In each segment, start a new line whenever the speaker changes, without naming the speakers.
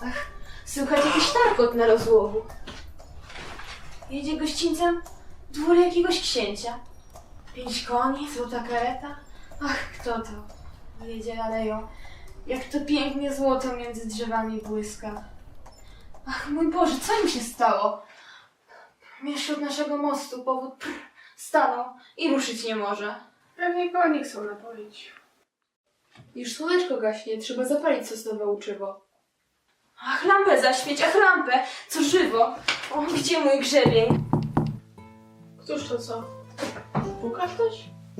Ach, słychać jakiś tarkot na rozłogu. Jedzie gościńcem dwór jakiegoś księcia. 5 koni, złota kareta. Ach, kto to? Jedzie aleją. Jak to pięknie złoto między drzewami błyska. Ach, mój Boże, co im się stało? Mieszcz od naszego mostu powód stanął i ruszyć nie może.
Pewnie konie chcą napoić.
Już słoneczko gaśnie, trzeba zapalić sosnowe łuczywo.
Ach, lampę zaświeć, ach, lampę, co żywo. O, gdzie mój grzebień?
Któż to co? Puka ktoś?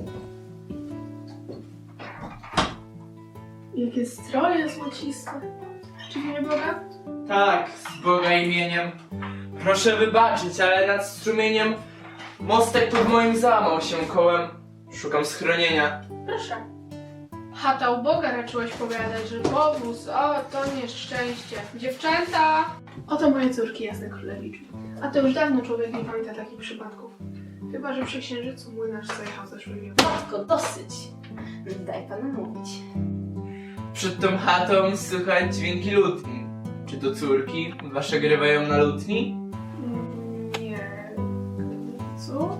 Jakie stroje złociste. Czy w imię Boga?
Tak, z Boga imieniem. Proszę wybaczyć, ale nad strumieniem mostek pod moim załamał się kołem. Szukam schronienia.
Proszę. Chata u Boga raczyłeś powiadać, że powóz, o to nieszczęście. Dziewczęta! Oto moje córki, jasne królewiczu. A to już dawno człowiek nie pamięta takich przypadków. Chyba że przy księżycu młynarz zajechał zeszły wiosny.
Matko, dosyć. Daj panu mówić.
Przed tą chatą słychać dźwięki lutni. Czy to córki wasze grywają na lutni?
Nie. Co?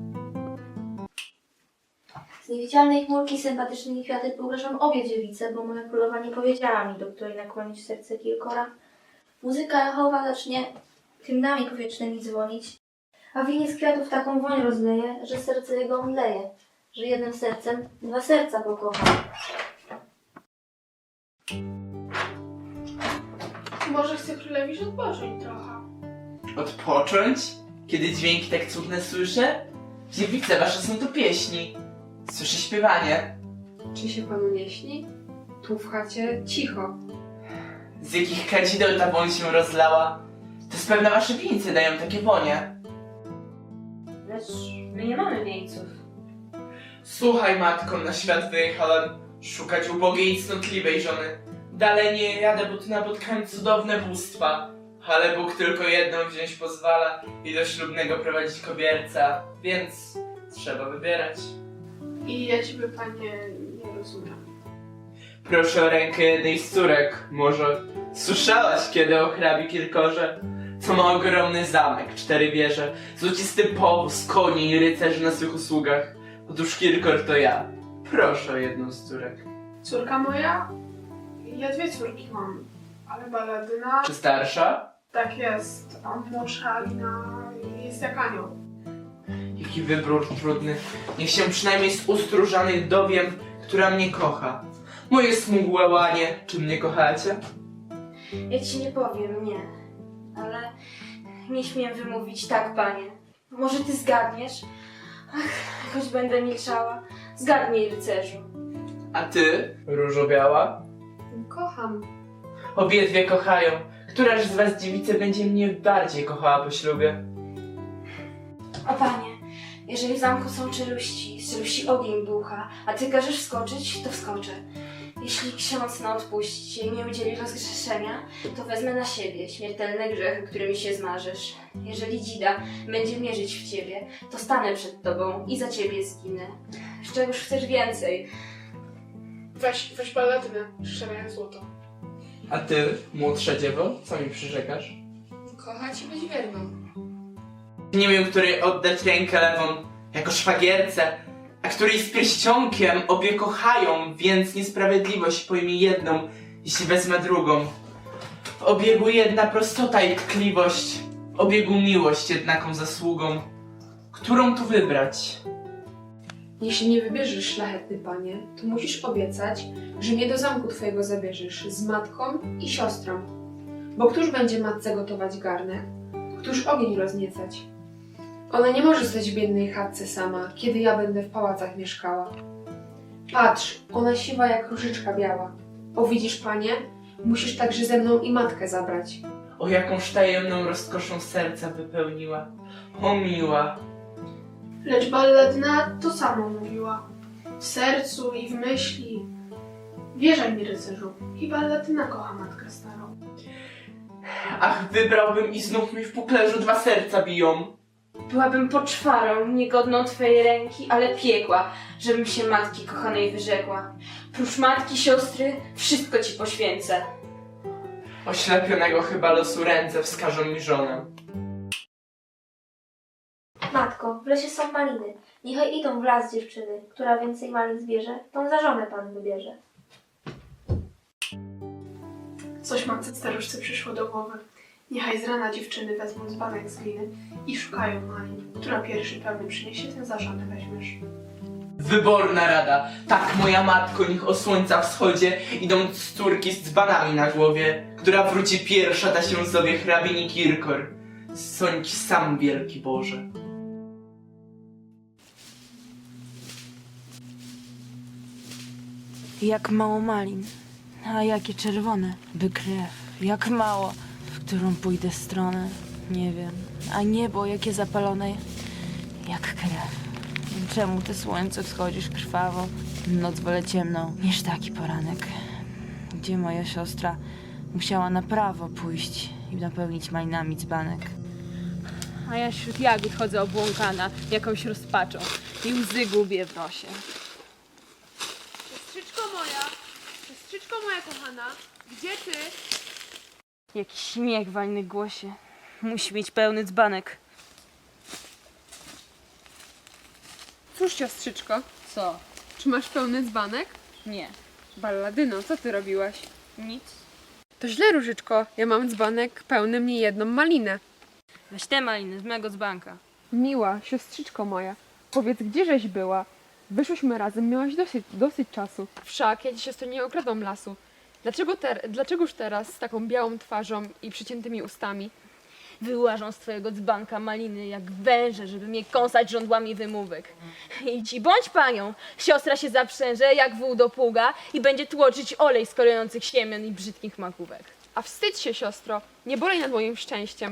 Z niewidzialnej chmurki sympatycznymi kwiaty pogreszam obie dziewice, bo moja królowa nie powiedziała mi, do której nakłonić serce kilkora. Muzyka echowa zacznie hymnami powietrznymi dzwonić, a winie z kwiatów taką woń rozleje, że serce jego omdleje, że jednym sercem 2 serca pokocha.
Może chce królewicz odpocząć trochę.
Odpocząć? Kiedy dźwięki tak cudne słyszę? Dziewice wasze są to pieśni. Słyszę śpiewanie.
Czy się panu nie śni? Tu w chacie cicho.
Z jakich kadzideł ta woń się rozlała? To z pewna wasze wieńce dają takie wonie.
Lecz my nie mamy wieńców.
Słuchaj, matko, na świat wyjechałem szukać ubogiej i cnotliwej żony. Dalej nie jadę, bo tu napotkałem cudowne bóstwa. Ale Bóg tylko jedną wziąć pozwala i do ślubnego prowadzić kobierca, więc trzeba wybierać.
I ja ciebie, panie, nie rozumiem.
Proszę o rękę jednej z córek. Może słyszałaś kiedy o hrabi Kirkorze? Co ma ogromny zamek, 4 wieże, złocisty powóz, koni i rycerzy na swych usługach. Otóż Kirkor to ja. Proszę o jedną z córek.
Córka moja? Ja 2 córki mam, ale Baladyna...
Czy starsza?
Tak jest, a młodsza Alina jest jak anioł.
Jaki wybór trudny. Niech się przynajmniej z ust różanych dowiem, która mnie kocha. Moje smugłe łanie, czy mnie kochacie?
Ja ci nie powiem, nie. Ale nie śmiem wymówić tak, panie. Może ty zgadniesz? Ach, choć będę milczała. Zgadnij, rycerzu.
A ty, różo biała?
Kocham.
Obie kochają. Któraż z was dziewicy będzie mnie bardziej kochała po ślubie?
O panie, jeżeli w zamku są czeluści, z czeluści ogień ducha, a ty każesz wskoczyć, to wskoczę. Jeśli ksiądz na odpuści i nie udzieli rozgrzeszenia, to wezmę na siebie śmiertelne grzechy, którymi się zmarzysz. Jeżeli dzida będzie mierzyć w ciebie, to stanę przed tobą i za ciebie zginę. Z czegoż chcesz więcej?
Weź Baladynę, szczerze złoto.
A ty, młodsza dziewo, co mi przyrzekasz?
Kochać i być wierną.
Nie wiem, której oddać rękę lewą jako szwagierce, a której z pierścionkiem obie kochają, więc niesprawiedliwość pojmie jedną, jeśli wezmę drugą. W obiegu jedna prostota i tkliwość, w obiegu miłość jednaką zasługą. Którą tu wybrać?
Jeśli nie wybierzesz, szlachetny panie, to musisz obiecać, że mnie do zamku twojego zabierzesz z matką i siostrą. Bo któż będzie matce gotować garnek? Któż ogień rozniecać? Ona nie może stać w biednej chatce sama, kiedy ja będę w pałacach mieszkała. Patrz, ona siwa jak różyczka biała. O widzisz, panie, musisz także ze mną i matkę zabrać.
O jakąż tajemną rozkoszą serca wypełniła. O miła.
Lecz Balladyna to samo mówiła. W sercu i w myśli. Wierzaj mi, rycerzu, i Balladyna kocha matkę starą.
Ach, wybrałbym i znów mi w puklerzu 2 serca biją.
Byłabym poczwarą, niegodną twojej ręki, ale piekła, żebym się matki kochanej wyrzekła. Prócz matki, siostry, wszystko ci poświęcę.
Oślepionego chyba losu ręce wskażą mi żonę.
Matko, w lesie są maliny. Niechaj idą w las dziewczyny. Która więcej malin zbierze, tą za żonę pan wybierze.
Coś matce staruszce przyszło do głowy. Niechaj z rana dziewczyny wezmą dzbanek z gliny i szukają malin. Która pierwszy pełny przyniesie, ten za żonę weźmiesz.
Wyborna rada. Tak, moja matko, niech o słońca wschodzie idą córki z dzbanami na głowie. Która wróci pierwsza, da się sobie hrabini Kirkor. Sądź sam, wielki Boże.
Jak mało malin, a jakie czerwone, by krew, jak mało, w którą pójdę stronę, nie wiem, a niebo jakie zapalone, jak krew. Czemu ty słońce wschodzisz krwawo, noc wolę ciemną niż taki poranek, gdzie moja siostra musiała na prawo pójść i napełnić malinami dzbanek. A ja wśród jagód chodzę obłąkana, jakąś rozpaczą i łzy gubię w nosie.
Siostrzyczko moja kochana, gdzie ty?
Jakiś śmiech w walnych głosie. Musi mieć pełny dzbanek.
Cóż, siostrzyczko,
Co?
czy masz pełny dzbanek?
Nie.
Balladyno, co ty robiłaś?
Nic.
To źle, Różyczko, ja mam dzbanek pełny mnie jedną malinę.
Weź te maliny z mego dzbanka.
Miła, siostrzyczko moja, powiedz, gdzieżeś była? Wyszłyśmy razem, miałaś dosyć czasu. Wszak ja ci, siostro, nie okradłam lasu. Dlaczegoż teraz z taką białą twarzą i przyciętymi ustami?
Wyłażą z twojego dzbanka maliny jak węże, żeby mnie kąsać żądłami wymówek. Idź i bądź panią. Siostra się zaprzęże jak wół do pługa i będzie tłoczyć olej z kolejących siemion i brzydkich makówek.
A wstydź się, siostro, nie bolej nad moim szczęściem.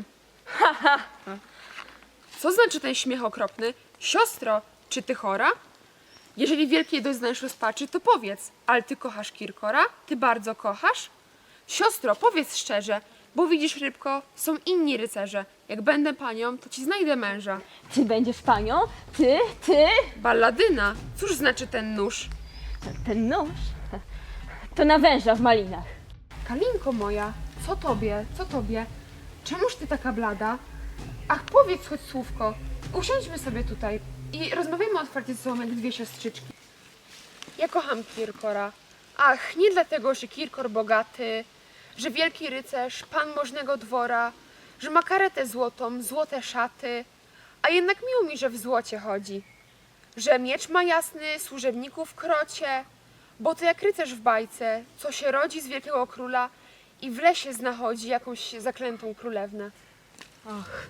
Co znaczy ten śmiech okropny? Siostro, czy ty chora? Jeżeli wielkiej doznajesz rozpaczy, to powiedz, ale ty kochasz Kirkora? Ty bardzo kochasz? Siostro, powiedz szczerze, bo widzisz, rybko, są inni rycerze. Jak będę panią, to ci znajdę męża.
Ty będziesz panią? Ty?
Balladyna, cóż znaczy ten nóż?
Ten nóż? To na węża w malinach.
Kalinko moja, co tobie? Czemuż ty taka blada? Ach, powiedz choć słówko. Usiądźmy sobie tutaj i rozmawiajmy otwarcie ze sobą jak dwie siostrzyczki. Ja kocham Kirkora. Ach, nie dlatego, że Kirkor bogaty, że wielki rycerz, pan możnego dwora, że ma karetę złotą, złote szaty, a jednak miło mi, że w złocie chodzi. Że miecz ma jasny, służebników krocie, bo to jak rycerz w bajce, co się rodzi z wielkiego króla i w lesie znachodzi jakąś zaklętą królewnę.
Ach.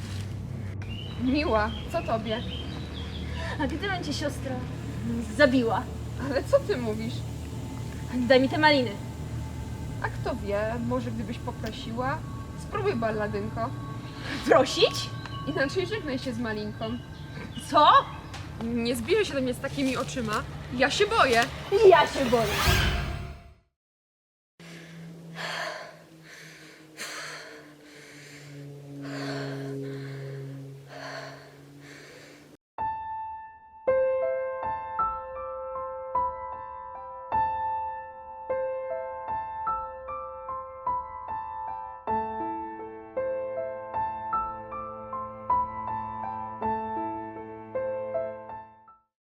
Miła, co tobie?
A gdybym cię siostra zabiła,
Ale co ty mówisz?
daj mi te maliny.
A kto wie, może gdybyś poprosiła? Spróbuj, balladynko.
Prosić?
Inaczej żegnaj się z malinką.
Co?
Nie zbliżaj się do mnie z takimi oczyma. Ja się boję.
Ja się boję.